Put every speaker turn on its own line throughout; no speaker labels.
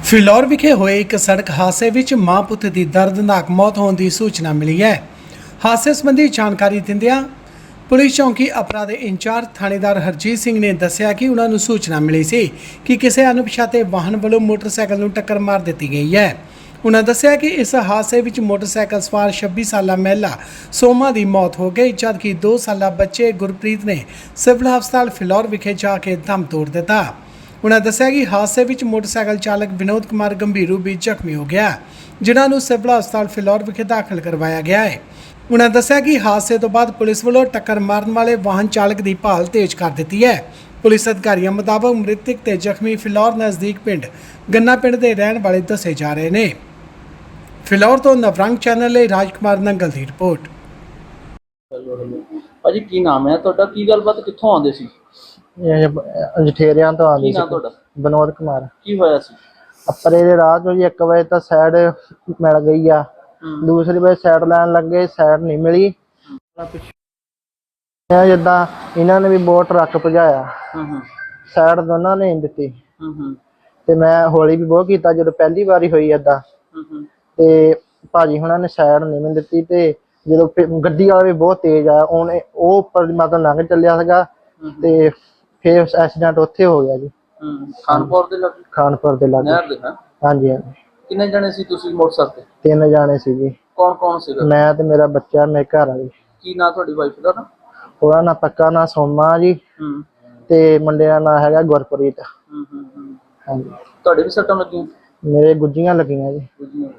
ਫਿਲੌਰ ਵਿਖੇ ਹੋਏ ਇੱਕ ਸੜਕ ਹਾਦਸੇ ਵਿੱਚ ਮਾਂ ਪੁੱਤ ਦੀ ਦਰਦਨਾਕ ਮੌਤ ਹੋਣ ਦੀ ਸੂਚਨਾ ਮਿਲੀ ਹੈ। ਹਾਦਸੇ ਸੰਬੰਧੀ ਜਾਣਕਾਰੀ ਦਿੰਦਿਆਂ ਪੁਲਿਸ ਚੌਂਕੀ ਅਪਰਾ ਦੇ ਇੰਚਾਰਜ ਥਾਣੇਦਾਰ ਹਰਜੀਤ ਸਿੰਘ ਨੇ ਦੱਸਿਆ ਕਿ ਉਹਨਾਂ ਨੂੰ ਸੂਚਨਾ ਮਿਲੀ ਸੀ ਕਿ ਕਿਸੇ ਅਣਪਛਾਤੇ ਵਾਹਨ ਵੱਲੋਂ ਮੋਟਰਸਾਈਕਲ ਨੂੰ ਟੱਕਰ ਮਾਰ ਦਿੱਤੀ ਗਈ ਹੈ। ਉਹਨਾਂ ਦੱਸਿਆ ਕਿ ਇਸ ਹਾਦਸੇ ਵਿੱਚ ਮੋਟਰਸਾਈਕਲ ਸਵਾਰ 26 ਸਾਲਾ ਮਹਿਲਾ ਸੋਮਾ ਦੀ ਮੌਤ ਹੋ ਗਈ, ਜਦਕਿ 2 ਸਾਲਾ ਬੱਚੇ ਗੁਰਪ੍ਰੀਤ ਨੇ ਸਿਵਲ ਹਸਪਤਾਲ ਫਿਲੌਰ ਵਿਖੇ ਜਾ ਕੇ ਦਮ ਤੋੜ ਦਿੱਤਾ। उन्होंने दस्सिया कि हादसे में मोटरसाइकिल चालक विनोद कुमार गंभीर रूप में जख्मी हो गया, जिन्होंने सिविल हस्पताल फिलौर विखे दाखिल करवाया गया है। उन्होंने दस्सिया कि हादसे तो बाद पुलिस वालों टक्कर मारन वाले वाहन चालक की भाल तेज कर दी है। पुलिस अधिकारियों मुताबक मृतक ते जख्मी फिलौर नज़दीक पिंड गन्ना पिंड के रहने वाले दसे जा रहे हैं। फिलौर तो नवरंग चैनल ਲਈ राजकुमार नंगल की रिपोर्ट।
ਭਾਜੀ ਕੀ ਨਾਮ ਹੈ ਤੁਹਾਡਾ? ਕੀ ਗੱਲਬਾਤ ਕਿੱਥੋਂ ਆਉਂਦੇ ਸੀ?
ਜਠੇਰਿਆਂ ਤੋਂ ਆਉਂਦੀ
ਕੀ
ਸੀ।
ਨਾਮ ਤੁਹਾਡਾ?
ਵਿਨੋਦ ਕੁਮਾਰ।
ਕੀ ਹੋਇਆ ਸੀ?
ਅੱਪਰੇ ਦੇ ਰਾਹ ਚੋਂ ਜੀ 1 ਵਜੇ ਤਾਂ ਸਾਈਡ ਮਿਲ ਗਈ ਆ, ਦੂਸਰੀ ਵਜੇ ਸਾਈਡ ਲੈਣ ਲੱਗੇ, ਸਾਈਡ ਨਹੀਂ ਮਿਲੀ। ਜਿੱਦਾਂ ਇਹਨਾਂ ਨੇ ਵੀ ਬਹੁਤ ਟਰੱਕ ਭਜਾਇਆ, ਸਾਈਡ ਦੋਨਾਂ ਨੇ ਨਹੀਂ ਦਿੱਤੀ ਤੇ ਮੈਂ ਹੌਲੀ ਵੀ ਬਹੁਤ ਕੀਤਾ ਜਦੋਂ ਪਹਿਲੀ ਵਾਰੀ ਹੋਈ ਏਦਾਂ। ਤੇ ਭਾਜੀ ਹੁਣਾਂ ਨੇ ਸਾਈਡ ਨਹੀਂ ਮੈਨੂੰ ਦਿੱਤੀ ਤੇ ਜਦੋਂ ਗੱਡੀ ਵਾਲਾ ਵੀ ਬਹੁਤ ਤੇਜ਼ ਆਇਆ, ਉਹਨੇ ਉਹ ਉੱਪਰ ਮਤਲਬ ਲੰਘ ਚੱਲਿਆ ਸੀਗਾ ਤੇ ਫਿਰ ਐਕਸੀਡੈਂਟ ਉੱਥੇ ਹੋ ਗਿਆ ਜੀ।
ਖਾਨਪੁਰ ਦੇ ਲਾਗੇ?
ਖਾਨਪੁਰ ਦੇ ਲਾਗੇ।
ਨਹਿਰ ਦੇ?
ਹਾਂਜੀ ਹਾਂਜੀ।
ਕਿੰਨੇ ਜਣੇ ਸੀ ਤੁਸੀਂ ਮੋਟਰਸਾਈਕਲ ਤੇ?
3 ਜਾਣੇ ਸੀ ਜੀ।
ਕੌਣ ਕੌਣ ਸੀਗਾ?
ਮੈਂ ਤੇ ਮੇਰਾ ਬੱਚਾ, ਮੇਰੇ ਘਰ ਵਾਲੀ।
ਕੀ ਨਾਂ ਤੁਹਾਡੀ ਵਾਈਫ ਦਾ?
ਉਹਦਾ ਨਾਂ ਪੱਕਾ ਨਾਂ ਸੋਮਾ ਜੀ ਤੇ ਮੁੰਡੇ ਦਾ ਨਾਂ ਹੈਗਾ ਗੁਰਪ੍ਰੀਤ। ਹਾਂਜੀ।
ਤੁਹਾਡੇ ਵੀ ਸੱਟਾਂ ਲੱਗੀਆਂ?
ਮੇਰੇ ਗੁੱਜੀਆਂ ਲੱਗੀਆਂ ਜੀ।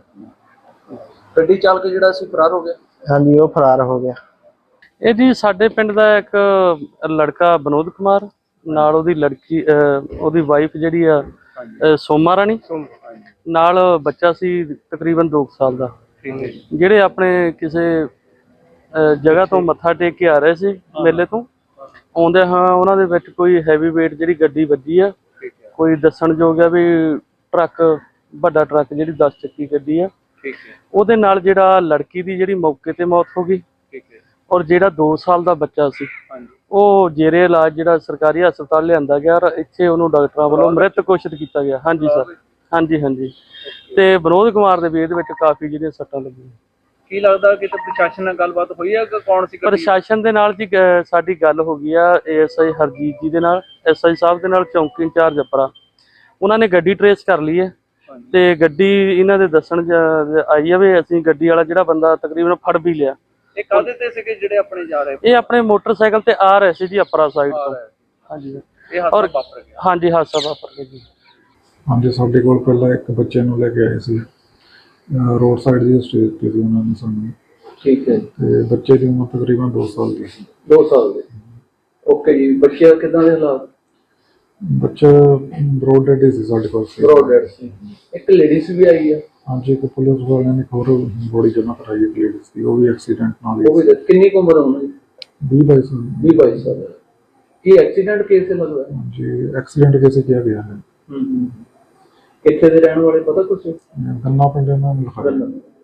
ਗੱਡੀ ਚਾਲਕ ਜਿਹੜਾ ਸੀ ਫਰਾਰ ਹੋ ਗਿਆ?
ਹਾਂਜੀ, ਉਹ ਫਰਾਰ ਹੋ ਗਿਆ।
ਇਹ ਜੀ ਸਾਡੇ ਪਿੰਡ ਦਾ ਇੱਕ ਲੜਕਾ ਵਿਨੋਦ ਕੁਮਾਰ ਨਾਲ ਉਹਦੀ ਲੜਕੀ ਉਹਦੀ ਵਾਈਫ ਜਿਹੜੀ ਆ ਸੋਮਾ ਰਾਣੀ, ਨਾਲ ਬੱਚਾ ਸੀ ਤਕਰੀਬਨ 2 ਸਾਲ ਦਾ, ਜਿਹੜੇ ਆਪਣੇ ਕਿਸੇ ਜਗ੍ਹਾ ਤੋਂ ਮੱਥਾ ਟੇਕ ਕੇ ਆ ਰਹੇ ਸੀ ਮੇਲੇ ਤੋਂ ਆਉਂਦੇ ਹਾਂ। ਉਹਨਾਂ ਦੇ ਵਿੱਚ ਕੋਈ ਹੈਵੀ ਵੇਟ ਜਿਹੜੀ ਗੱਡੀ ਵੱਜੀ ਆ, ਕੋਈ ਦੱਸਣਯੋਗ ਆ ਵੀ ਟਰੱਕ, ਵੱਡਾ ਟਰੱਕ ਜਿਹੜੀ 10 ਚੱਕੀ ਗੱਡੀ ਆ, ਉਹਦੇ ਨਾਲ ਜਿਹੜਾ ਲੜਕੀ ਦੀ ਜਿਹੜੀ ਮੌਕੇ ਤੇ ਮੌਤ ਹੋ ਗਈ ਔਰ ਜਿਹੜਾ 2 ਸਾਲ ਦਾ ਬੱਚਾ ਸੀ ਉਹ ਜੇਰੇ ਇਲਾਜ ਜਿਹੜਾ ਸਰਕਾਰੀ ਹਸਪਤਾਲ ਲਿਆਂਦਾ ਗਿਆ ਔਰ ਇੱਥੇ ਉਹਨੂੰ ਡਾਕਟਰਾਂ ਵੱਲੋਂ ਮ੍ਰਿਤ ਘੋਸ਼ਿਤ ਕੀਤਾ ਗਿਆ। ਹਾਂਜੀ ਸਰ, ਹਾਂਜੀ ਹਾਂਜੀ। ਤੇ ਵਿਨੋਦ ਕੁਮਾਰ ਦੇ ਵੀ ਇਹਦੇ ਵਿੱਚ ਕਾਫੀ ਜਿਹੜੀਆਂ ਸੱਟਾਂ ਲੱਗੀਆਂ।
ਕੀ ਲੱਗਦਾ ਕਿ ਪ੍ਰਸ਼ਾਸਨ ਨਾਲ ਗੱਲਬਾਤ ਹੋਈ ਹੈ ਕਿ ਕੌਣ ਸੀ?
ਪ੍ਰਸ਼ਾਸਨ ਦੇ ਨਾਲ ਜੀ ਸਾਡੀ ਗੱਲ ਹੋ ਗਈ ਆ ASI ਹਰਜੀਤ ਜੀ ਦੇ ਨਾਲ, SI ਸਾਹਿਬ ਦੇ ਨਾਲ, ਚੌਂਕੀ ਇੰਚਾਰਜ ਅਪਰਾ। ਉਹਨਾਂ ਨੇ ਗੱਡੀ ਟਰੇਸ ਕਰ ਲਈ ਹੈ ਤੇ ਗੱਡੀ ਇਹਨਾਂ ਦੇ ਦੱਸਣ ਆਈ ਆ ਵੀ ਅਸੀਂ ਗੱਡੀ ਵਾਲਾ ਜਿਹੜਾ ਬੰਦਾ ਤਕਰੀਬਨ ਫੜ ਵੀ ਲਿਆ।
ਇਹ ਕਾਹਦੇ ਤੇ ਸੀਗੇ ਜਿਹੜੇ ਆਪਣੇ ਜਾ ਰਹੇ?
ਇਹ ਆਪਣੇ ਮੋਟਰਸਾਈਕਲ ਤੇ ਆ ਰਹੇ ਸੀ ਜੀ ਅਪਰਾ ਸਾਈਡ ਤੋਂ। ਹਾਂਜੀ
ਇਹ ਹਾਦਸਾ ਵਾਪਰ ਗਿਆ?
ਹਾਂਜੀ, ਹਾਦਸਾ ਵਾਪਰ ਗਿਆ ਜੀ।
ਹਾਂਜੀ, ਸਾਡੇ ਕੋਲ ਪਹਿਲਾਂ ਇੱਕ ਬੱਚੇ ਨੂੰ ਲੈ ਕੇ ਆਏ ਸੀ, ਰੋਡ ਸਾਈਡ ਦੀ ਸਟੇਜ ਤੇ ਸੀ ਉਹਨਾਂ ਨੇ ਸਾਨੂੰ।
ਠੀਕ ਹੈ।
ਤੇ ਬੱਚੇ ਦੀ ਉਮਰ ਤਕਰੀਬਨ 2 ਸਾਲ ਦੀ ਸੀ।
2 ਸਾਲ ਦੇ? ਓਕੇ ਜੀ। ਬੱਚੇ ਕਿਦਾਂ ਦੇ ਹਾਲਾਤ?
ਬੱਚਾ ਬਰੋਡ ਡੈਡ ਸੀ ਸਾਡੇ ਕੋਲ।
ਬਰੋਡ ਡੈਡ ਸੀ। ਇੱਕ ਲੇਡੀਜ਼ ਵੀ ਆਈ ਹੈ?
ਹਾਂਜੀ, ਇੱਕ ਪੁਲਿਸ ਵਾਲਿਆਂ ਨੇ ਹੋਰ ਬੋਡੀ ਜਮ੍ਹਾਂ ਕਰਾਈ ਹੈ ਲੇਡੀਜ਼ ਦੀ, ਉਹ ਵੀ ਐਕਸੀਡੈਂਟ ਨਾਲ ਹੀ।
ਉਹ ਵੀ ਕਿੰਨੀ ਕੁ ਉਮਰ ਹੋਣੀ?
20-22 ਸਾਲ।
20-22 ਸਾਲ। ਕੀ ਐਕਸੀਡੈਂਟ ਕੇਸ ਲੱਗਦਾ?
ਜੀ, ਐਕਸੀਡੈਂਟ ਕੇਸ ਕਿਹਾ ਗਿਆ ਹੈ।
ਕਿੱਥੇ ਦੇ ਰਹਿਣ ਵਾਲੇ ਪਤਾ ਕੁਛ?
ਗੰਨਾ ਪਿੰਡ ਇਹਨਾਂ ਨੂੰ ਲਿਖਾਇਆ।